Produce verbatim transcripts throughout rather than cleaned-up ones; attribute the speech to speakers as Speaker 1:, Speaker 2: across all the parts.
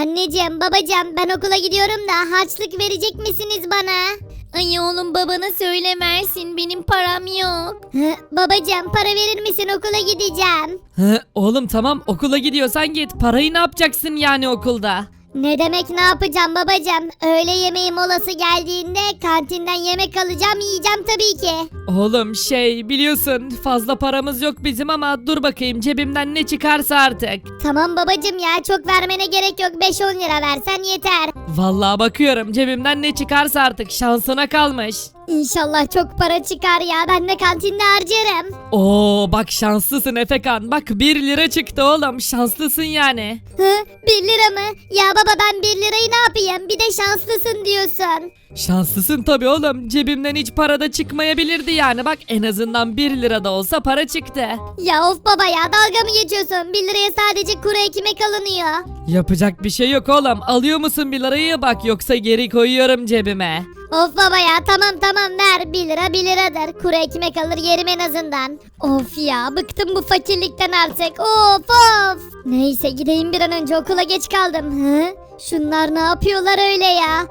Speaker 1: Anneciğim babacığım ben okula gidiyorum da harçlık verecek misiniz bana? Ay oğlum babana söyle versin benim param yok. Hı, babacığım para verir misin okula gideceğim.
Speaker 2: Hı, oğlum tamam okula gidiyorsan git. Parayı ne yapacaksın yani okulda?
Speaker 1: Ne demek ne yapacağım babacığım? Öğle yemeği molası geldiğinde kantinden yemek alacağım yiyeceğim tabii ki.
Speaker 2: Oğlum şey biliyorsun fazla paramız yok bizim ama dur bakayım cebimden ne çıkarsa artık.
Speaker 1: Tamam babacığım ya çok vermene gerek yok beş on lira versen yeter.
Speaker 2: Vallahi bakıyorum cebimden ne çıkarsa artık şansına kalmış.
Speaker 1: İnşallah çok para çıkar ya ben de kantinde harcarım.
Speaker 2: Oo bak şanslısın Efekan. Bak bir lira çıktı oğlum şanslısın yani.
Speaker 1: Hı, bir lira mı? Ya baba ben bir lirayı ne yapayım? Bir de şanslısın diyorsun.
Speaker 2: Şanslısın tabii oğlum. Cebimden hiç para da çıkmayabilirdi yani. Bak en azından bir lira da olsa para çıktı.
Speaker 1: Ya of baba ya dalga mı geçiyorsun? Bir liraya sadece kuru ekmek alınıyor.
Speaker 2: Yapacak bir şey yok oğlum. Alıyor musun bir lirayı bak yoksa geri koyuyorum cebime.
Speaker 1: Of baba ya tamam tamam ver. Bir lira bir liradır. Kuru ekmek alır yerim en azından. Of ya bıktım bu fakirlikten artık. Of of. Neyse gideyim bir an önce okula geç kaldım. Hı? Şunlar ne yapıyorlar öyle ya?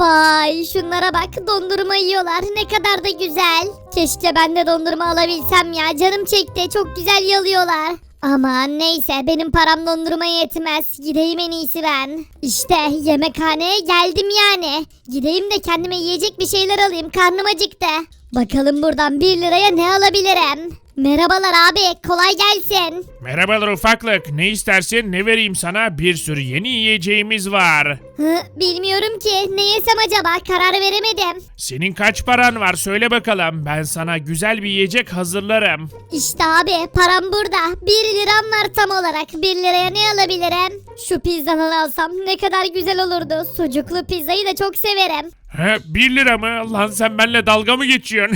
Speaker 1: Vay şunlara bak dondurma yiyorlar ne kadar da güzel. Keşke ben de dondurma alabilsem ya canım çekti çok güzel yalıyorlar. Aman neyse benim param dondurmaya yetmez. Gideyim en iyisi ben. İşte yemekhaneye geldim yani. Gideyim de kendime yiyecek bir şeyler alayım karnım acıktı. Bakalım buradan bir liraya ne alabilirim? Merhabalar abi kolay gelsin.
Speaker 3: Merhabalar ufaklık. Ne istersin? Ne vereyim sana? Bir sürü yeni yiyeceğimiz var.
Speaker 1: Hı, bilmiyorum ki ne yesem acaba karar veremedim.
Speaker 3: Senin kaç paran var? Söyle bakalım. Ben sana güzel bir yiyecek hazırlarım.
Speaker 1: İşte abi param burada. Bir liram var tam olarak. Bir liraya ne alabilirim? Şu pizzadan alsam ne kadar güzel olurdu. Sucuklu pizzayı da çok severim.
Speaker 3: He, bir lira mı? Lan sen benimle dalga mı geçiyorsun?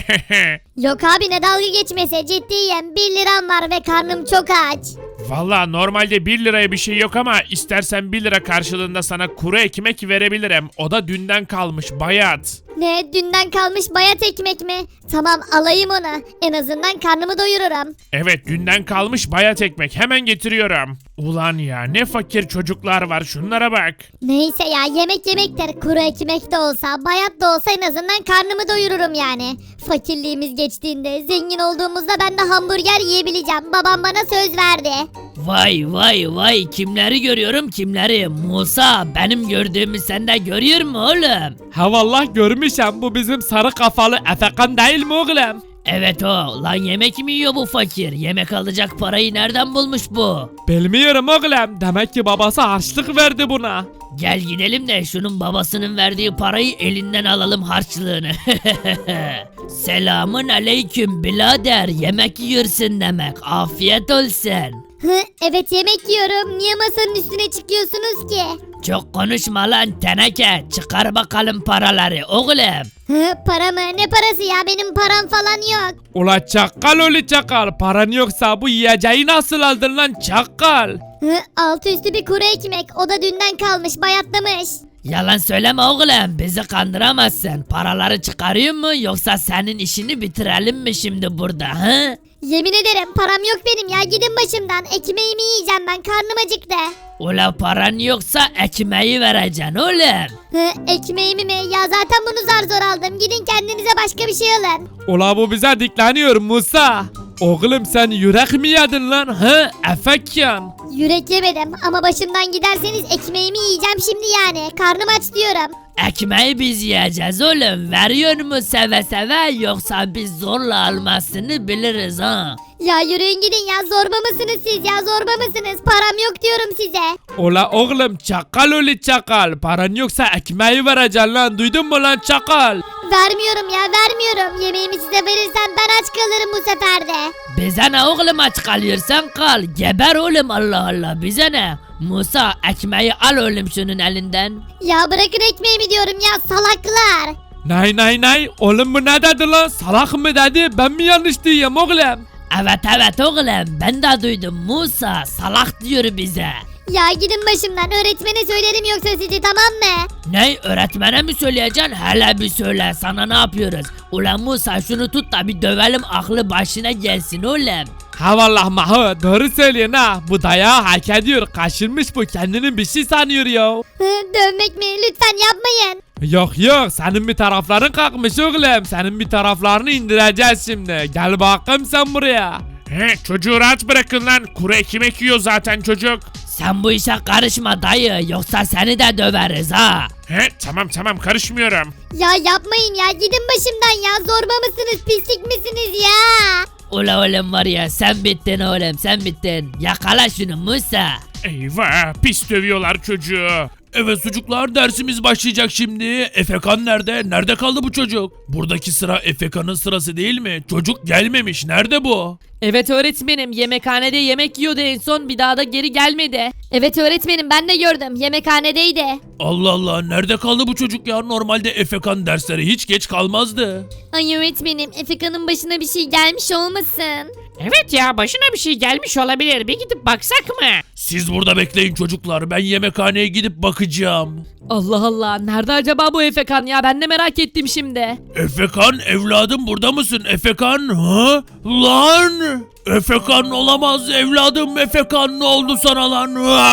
Speaker 1: Yok abi ne dalga geçmese ciddiyim. Bir liram var ve karnım çok aç.
Speaker 3: Valla normalde bir liraya bir şey yok ama istersen bir lira karşılığında sana kuru ekmek verebilirim. O da dünden kalmış bayat.
Speaker 1: Ne dünden kalmış bayat ekmek mi? Tamam alayım onu. En azından karnımı doyururum.
Speaker 3: Evet dünden kalmış bayat ekmek hemen getiriyorum. Ulan ya ne fakir çocuklar var şunlara bak.
Speaker 1: Neyse ya yemek yemektir. Kuru ekmek de olsa bayat da olsa en azından karnımı doyururum yani. Fakirliğimiz geçtiğinde zengin olduğumuzda ben de hamburger yiyebileceğim. Babam bana söz verdi.
Speaker 4: Vay vay vay kimleri görüyorum kimleri. Musa benim gördüğümü sen de görüyor mu oğlum?
Speaker 2: Ha vallahi görmüşüm bu bizim sarı kafalı Efekan değil mi oğlum?
Speaker 4: Evet o lan yemek mi yiyor bu fakir? Yemek alacak parayı nereden bulmuş bu?
Speaker 2: Bilmiyorum oğlum. Demek ki babası harçlık verdi buna.
Speaker 4: Gel gidelim de şunun babasının verdiği parayı elinden alalım harçlığını. Selamun aleyküm birader yemek yiyorsun demek afiyet olsun.
Speaker 1: Hı, evet yemek yiyorum. Niye masanın üstüne çıkıyorsunuz ki?
Speaker 4: Çok konuşma lan teneke çıkar bakalım paraları oğlum.
Speaker 1: Hı, para mı? Ne parası ya? Benim param falan yok.
Speaker 2: Ula çakal oğlu çakal. Paran yoksa bu yiyeceği nasıl aldın lan çakal?
Speaker 1: Hı, altı üstü bir kuru ekmek. O da dünden kalmış, bayatlamış.
Speaker 4: Yalan söyleme oğlum bizi kandıramazsın. Paraları çıkarıyor mu yoksa senin işini bitirelim mi şimdi burada ha?
Speaker 1: Yemin ederim param yok benim ya. Gidin başımdan. Ekmeğimi yiyeceğim ben. Karnım acıktı.
Speaker 4: Ula paran yoksa ekmeği vereceksin oğlum.
Speaker 1: Hı, ekmeğimi mi? Ya zaten bunu zar zor aldım. Gidin kendinize başka bir şey alın.
Speaker 2: Ula bu bize dikleniyor Musa. Oğlum sen yürek mi yedin lan ha Efekan?
Speaker 1: Yürek yemedim ama başımdan giderseniz ekmeğimi yiyeceğim şimdi yani. Karnım aç diyorum.
Speaker 4: Ekmeği biz yiyeceğiz oğlum. Veriyor mu seve seve yoksa biz zorla almasını biliriz ha.
Speaker 1: Ya yürüyün gidin ya. Zorba mısınız siz ya? Zorba mısınız? Param yok diyorum size.
Speaker 2: Ula oğlum çakal oğlu çakal. Paran yoksa ekmeği vereceksin lan duydun mu lan çakal?
Speaker 1: Vermiyorum ya vermiyorum. Yemeğimi size verirsem ben aç kalırım bu sefer de.
Speaker 4: Bize ne oğlum aç kalıyorsan kal. Geber oğlum Allah Allah bize ne? Musa ekmeği al oğlum şunun elinden.
Speaker 1: Ya bırakın ekmeğimi diyorum ya salaklar.
Speaker 2: Nay nay nay oğlum bu ne dedi lan salak mı dedi ben mi yanlış diyeyim oğlum?
Speaker 4: Evet evet oğlum ben de duydum Musa salak diyor bize.
Speaker 1: Ya gidin başımdan öğretmene söylerim yoksa sizi tamam mı?
Speaker 4: Ne öğretmene mi söyleyeceksin? Hele bir söyle sana ne yapıyoruz? Ulan Musa şunu tut da bir dövelim aklı başına gelsin oğlum.
Speaker 2: Ha vallahi Maho doğru söylüyorsun ha. Bu dayağı hak ediyor. Kaşınmış bu, kendini bir şey sanıyor ya.
Speaker 1: Hı, dövmek mi? Lütfen yapmayın.
Speaker 2: Yok yok, senin bir tarafların kalkmış oğlum. Senin bir taraflarını indireceğiz şimdi. Gel bakayım sen buraya.
Speaker 3: He, çocuğu rahat bırakın lan. Kuru ekmek yiyor zaten çocuk.
Speaker 4: Sen bu işe karışma dayı yoksa seni de döveriz ha.
Speaker 3: He, tamam tamam karışmıyorum.
Speaker 1: Ya yapmayın ya, gidin başımdan ya. Zorba mısınız, pislik misiniz ya?
Speaker 4: Ula oğlum var ya sen bittin oğlum sen bittin. Yakala şunu Musa.
Speaker 3: Eyvah, pis dövüyorlar çocuğu. Evet çocuklar, dersimiz başlayacak şimdi. Efekan nerede? Nerede kaldı bu çocuk? Buradaki sıra Efekan'ın sırası değil mi? Çocuk gelmemiş. Nerede bu?
Speaker 2: Evet öğretmenim, yemekhanede yemek yiyordu en son, bir daha da geri gelmedi.
Speaker 1: Evet öğretmenim, ben de gördüm. Yemekhanedeydi.
Speaker 3: Allah Allah, nerede kaldı bu çocuk ya? Normalde Efekan dersleri hiç geç kalmazdı.
Speaker 1: Ay öğretmenim, Efeka'nın başına bir şey gelmiş olmasın?
Speaker 5: Evet ya, başına bir şey gelmiş olabilir. Bir gidip baksak mı?
Speaker 3: Siz burada bekleyin çocuklar. Ben yemekhaneye gidip bakacağım.
Speaker 2: Allah Allah, nerede acaba bu Efekan ya, ben de merak ettim şimdi.
Speaker 3: Efekan evladım, burada mısın? Efekan? Ha? Lan! Efekan olamaz evladım. Efekan, ne oldu sana lan?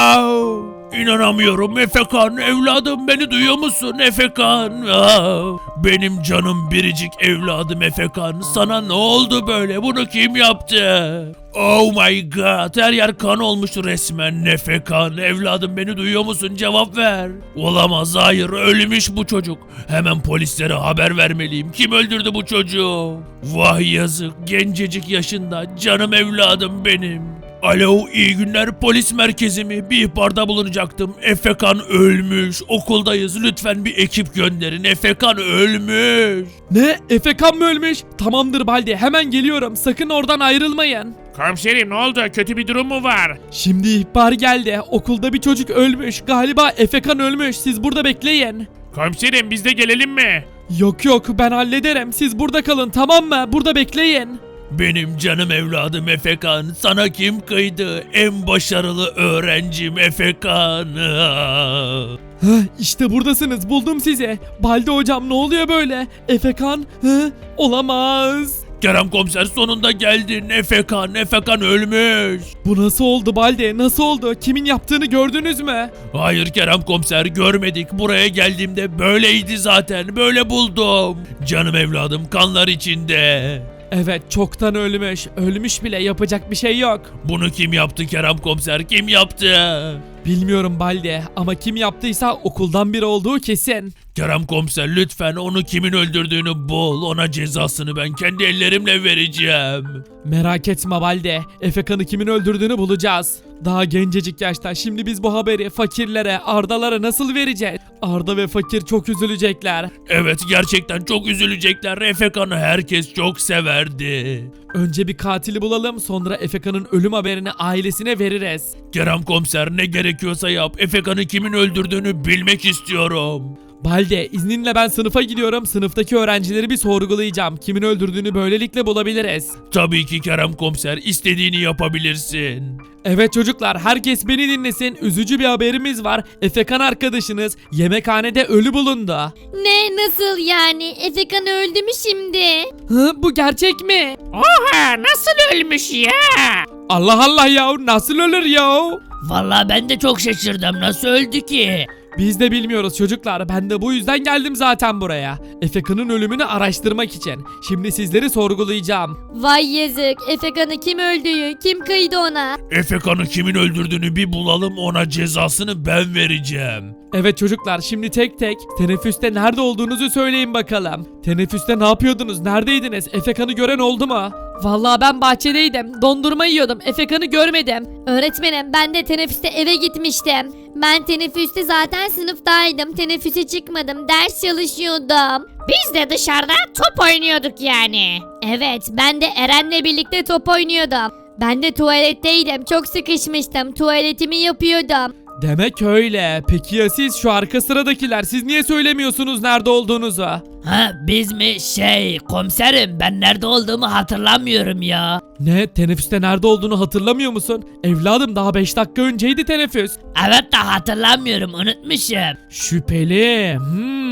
Speaker 3: Wow! İnanamıyorum Efekan, evladım, beni duyuyor musun Efekan? Aa, benim canım biricik evladım Efekan, sana ne oldu böyle, bunu kim yaptı? Oh my god, her yer kan olmuş resmen. Efekan evladım, beni duyuyor musun, cevap ver. Olamaz, hayır, ölmüş bu çocuk. Hemen polislere haber vermeliyim. Kim öldürdü bu çocuğu? Vah yazık, gencecik yaşında canım evladım benim. Alo, iyi günler, polis merkezi mi? Bir ihbarda bulunacaktım. Efekan ölmüş. Okuldayız. Lütfen bir ekip gönderin. Efekan ölmüş.
Speaker 2: Ne? Efekan mı ölmüş? Tamamdır Baldi, hemen geliyorum, sakın oradan ayrılmayın.
Speaker 3: Komiserim, ne oldu? Kötü bir durum mu var?
Speaker 2: Şimdi ihbar geldi, okulda bir çocuk ölmüş, galiba Efekan ölmüş, siz burada bekleyin.
Speaker 3: Komiserim, biz de gelelim mi?
Speaker 2: Yok yok, ben hallederim, siz burada kalın, tamam mı? Burada bekleyin.
Speaker 3: Benim canım evladım Efekan. Sana kim kıydı? En başarılı öğrencim Efekan.
Speaker 2: Heh, işte buradasınız, buldum sizi. Baldi hocam, ne oluyor böyle? Efekan? Hı? Olamaz.
Speaker 3: Kerem komiser, sonunda geldin. Efekan, Efekan ölmüş.
Speaker 2: Bu nasıl oldu Baldi? Nasıl oldu? Kimin yaptığını gördünüz mü?
Speaker 3: Hayır Kerem komiser, görmedik. Buraya geldiğimde böyleydi zaten. Böyle buldum. Canım evladım kanlar içinde.
Speaker 2: Evet, çoktan ölmüş. Ölmüş bile, yapacak bir şey yok.
Speaker 3: Bunu kim yaptı Kerem komiser? Kim yaptı?
Speaker 2: Bilmiyorum Baldi, ama kim yaptıysa okuldan biri olduğu kesin.
Speaker 3: Kerem komiser, lütfen onu kimin öldürdüğünü bul. Ona cezasını ben kendi ellerimle vereceğim.
Speaker 2: Merak etme Baldi, Efekan'ı kimin öldürdüğünü bulacağız. Daha gencecik yaşta, şimdi biz bu haberi fakirlere, Ardalara nasıl vereceğiz? Arda ve fakir çok üzülecekler.
Speaker 3: Evet, gerçekten çok üzülecekler. Efekan'ı herkes çok severdi.
Speaker 2: Önce bir katili bulalım, sonra Efekan'ın ölüm haberini ailesine veririz.
Speaker 3: Kerem komiser, ne gerekiyorsa yap. Efekan'ı kimin öldürdüğünü bilmek istiyorum.
Speaker 2: Balde, izninle ben sınıfa gidiyorum. Sınıftaki öğrencileri bir sorgulayacağım. Kimin öldürdüğünü böylelikle bulabiliriz.
Speaker 3: Tabii ki Kerem komiser, istediğini yapabilirsin.
Speaker 2: Evet çocuklar, herkes beni dinlesin. Üzücü bir haberimiz var. Efekan arkadaşınız yemekhanede ölü bulundu.
Speaker 1: Ne, nasıl yani? Efekan öldü mü şimdi?
Speaker 2: Hı, bu gerçek mi?
Speaker 5: Oha, nasıl ölmüş ya?
Speaker 2: Allah Allah ya, nasıl ölür ya?
Speaker 4: Vallahi ben de çok şaşırdım nasıl öldü ki?
Speaker 2: Biz de bilmiyoruz çocuklar. Ben de bu yüzden geldim zaten buraya. Efekan'ın ölümünü araştırmak için. Şimdi sizleri sorgulayacağım.
Speaker 1: Vay yazık. Efekan'ı kim öldürdü? Kim kıydı ona?
Speaker 3: Efekan'ı kimin öldürdüğünü bir bulalım, ona cezasını ben vereceğim.
Speaker 2: Evet çocuklar, şimdi tek tek teneffüste nerede olduğunuzu söyleyin bakalım. Teneffüste ne yapıyordunuz? Neredeydiniz? Efekan'ı gören oldu mu? Vallahi ben bahçedeydim. Dondurma yiyordum. Efekan'ı görmedim.
Speaker 1: Öğretmenim, ben de teneffüste eve gitmiştim. Ben teneffüste zaten sınıftaydım. Teneffüse çıkmadım. Ders çalışıyordum.
Speaker 5: Biz de dışarıda top oynuyorduk yani.
Speaker 1: Evet, ben de Eren'le birlikte top oynuyordum. Ben de tuvaletteydim. Çok sıkışmıştım. Tuvaletimi yapıyordum.
Speaker 2: Demek öyle. Peki ya siz, şu arka sıradakiler, siz niye söylemiyorsunuz nerede olduğunuzu?
Speaker 4: Ha biz mi şey komiserim ben nerede olduğumu hatırlamıyorum ya.
Speaker 2: Ne? Teneffüste nerede olduğunu hatırlamıyor musun? Evladım, daha beş dakika önceydi teneffüs.
Speaker 4: Evet de hatırlamıyorum unutmuşum.
Speaker 2: Şüpheli. Hmm.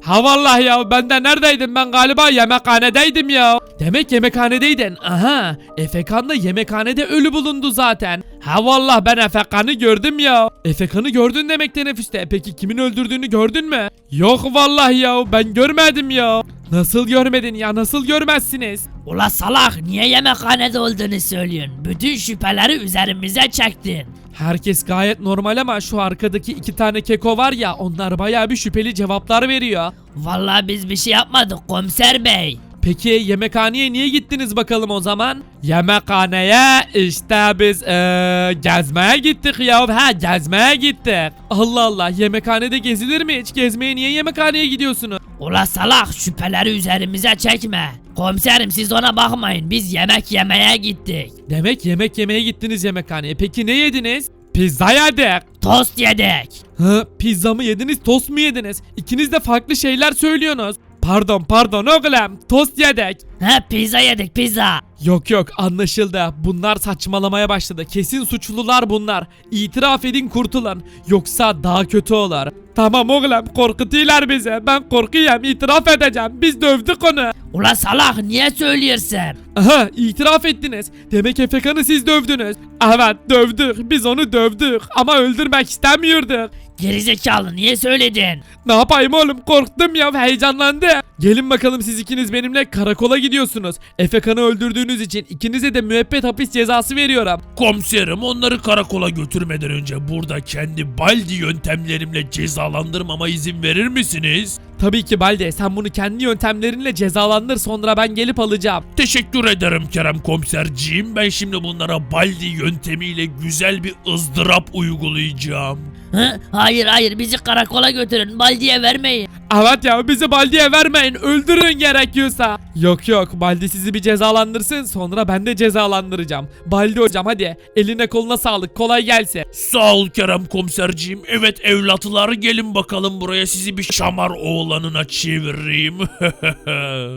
Speaker 2: Ha vallahi ya ben de neredeydim, ben galiba yemekhanedeydim ya. Demek yemekhanedeydin. Aha, Efekan da yemekhanede ölü bulundu zaten. Ha vallahi ben Efekan'ı gördüm ya. Efekan'ı gördün demek teneffüste. Peki kimin öldürdüğünü gördün mü? Yok vallahi ya, ben görmedim ya. Nasıl görmedin ya, nasıl görmezsiniz?
Speaker 4: Ula salak, niye yemekhanede olduğunu söylüyorsun? Bütün şüpheleri üzerimize çektin.
Speaker 2: Herkes gayet normal ama şu arkadaki iki tane keko var ya, onlar bayağı bir şüpheli cevaplar veriyor.
Speaker 4: Vallahi biz bir şey yapmadık komiser bey.
Speaker 2: Peki yemekhaneye niye gittiniz bakalım o zaman? Yemekhaneye işte biz eee, gezmeye gittik ya. Ha, gezmeye gittik. Allah Allah, yemekhanede gezilir mi hiç? Gezmeye niye yemekhaneye gidiyorsunuz?
Speaker 4: Ula salak, şüpheleri üzerimize çekme. Komiserim siz ona bakmayın, biz yemek yemeye gittik.
Speaker 2: Demek yemek yemeye gittiniz yemekhaneye. Peki ne yediniz? Pizza yedik.
Speaker 4: Tost yedik.
Speaker 2: Ha, pizza mı yediniz, tost mu yediniz? İkiniz de farklı şeyler söylüyorsunuz. Pardon pardon oğlum, tost yedik.
Speaker 4: He, pizza yedik pizza.
Speaker 2: Yok yok, anlaşıldı. Bunlar saçmalamaya başladı. Kesin suçlular bunlar. İtiraf edin kurtulun. Yoksa daha kötü olur. Tamam oğlum, korkutuyorlar bizi. Ben korkuyorum, itiraf edeceğim. Biz dövdük onu.
Speaker 4: Ula salak, niye söylüyorsun?
Speaker 2: Aha, itiraf ettiniz. Demek Efekan'ı siz dövdünüz. Evet, dövdük. Biz onu dövdük. Ama öldürmek istemiyorduk.
Speaker 4: Gerizekalı, niye söyledin?
Speaker 2: Ne yapayım oğlum, korktum ya, heyecanlandı. Gelin bakalım, siz ikiniz benimle karakola gidiyorsunuz. Efekan'ı öldürdüğünüz için ikinize de müebbet hapis cezası veriyorum.
Speaker 3: Komiserim, onları karakola götürmeden önce burada kendi baldi yöntemlerimle cezalandırmama izin verir misiniz?
Speaker 2: Tabii ki Balde, sen bunu kendi yöntemlerinle cezalandır, sonra ben gelip alacağım.
Speaker 3: Teşekkür ederim Kerem komiserciğim. Ben şimdi bunlara baldi yöntemiyle güzel bir ızdırap uygulayacağım.
Speaker 4: Hı? Hayır hayır, bizi karakola götürün, baldiye vermeyin.
Speaker 2: Evet ya, bizi Baldi'ye vermeyin, öldürün gerekiyorsa. Yok yok, Baldi sizi bir cezalandırsın, sonra ben de cezalandıracağım. Baldi hocam hadi, eline koluna sağlık, kolay gelsin.
Speaker 3: Sağ ol Kerem komiserciğim. Evet evlatlar, gelin bakalım buraya, sizi bir şamar oğlanına çevireyim.